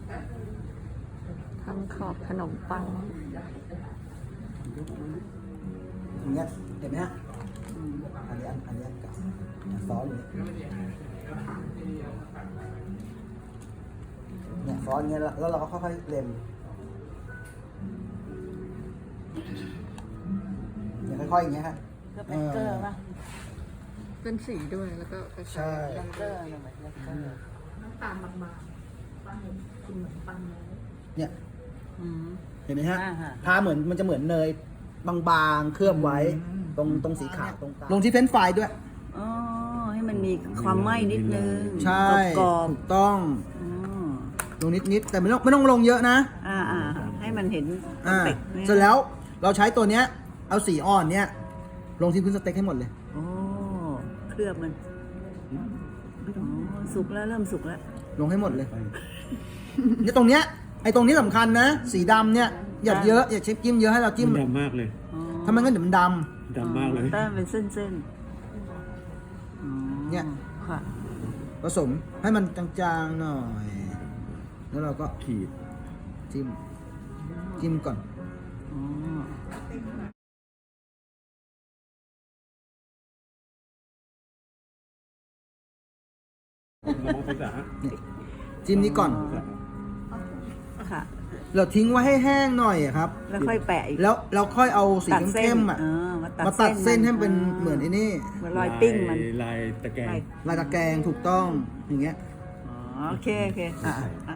ทำขอบขนมปังอย่างเงี้ยเห็นไหมฮะอันนี้อันนี้เก่าซ้อนเลยเนี่ยซ้อนเงี้ยแล้วเราก็ค่อยๆเล็มเนี่ยค่อยๆอย่างเงี้ยฮะก็เป็นเกลือป่ะเป็นสีด้วยแล้วก็ใช่เป็นเกลือเนี่ยเหมือนเกลือน้ำตาลบางๆปังกินเหมือนปังเลยเนี่ยอืมเห็นไหมฮะอ่าฮะทาเหมือนมันจะเหมือนเนยบางๆเคลือบไว้ตรงสีขาวตรงกลางลงที่เฟรนช์ฟรายด้วยอ๋อให้มันมีความไหม้นิดนึงใช่กรอบถูกต้องๆอืมลงนิดๆแต่ไม่ต้องลงเยอะนะให้มันเห็นอ่าเป็ดนี่ยเสร็จแล้วเราใช้ตัวเนี้ยเอาสีอ่อนเนี้ยลงที่พื้นสเต็กให้หมดเลยโอ้เคลือบมันอ๋อสุกแล้วเริ่มสุกแล้วลงให้หมดเลยเนี่ยตรงเนี้ยไอ้ตรงนี้สำคัญนะ สีดำเนี่ยอย่าเยอะอย่าเช็คจิ้มเยอะให้เราจิ้มมันดำมากเลยอ๋อถ้ามันก็เดี๋ยวมันดดำมากเลยแต้มเป็นเส้นๆอ๋อเนี่ยค่ะำผสมให้มันจางๆหน่อย แล้วเราก็ขีดจิ้มก่อนอ๋อเรามองไปจ้ะจิ้มนี้ก่อนค่ะเราทิ้งไว้ให้แห้งหน่อยอะครับแล้วค่อยแปะอีกแล้วเราค่อยเอาสีตัดเส้นเข้มๆอ่ะมาตัดเส้นให้มัเป็นเหมือนไอ้นี่เหมือนรอยปิ้งมันลายตะแกรงลายลายตะแกรงถูกต้องอย่างเงี้ยอ๋อโอเค โอเคอ่ะอ่ะ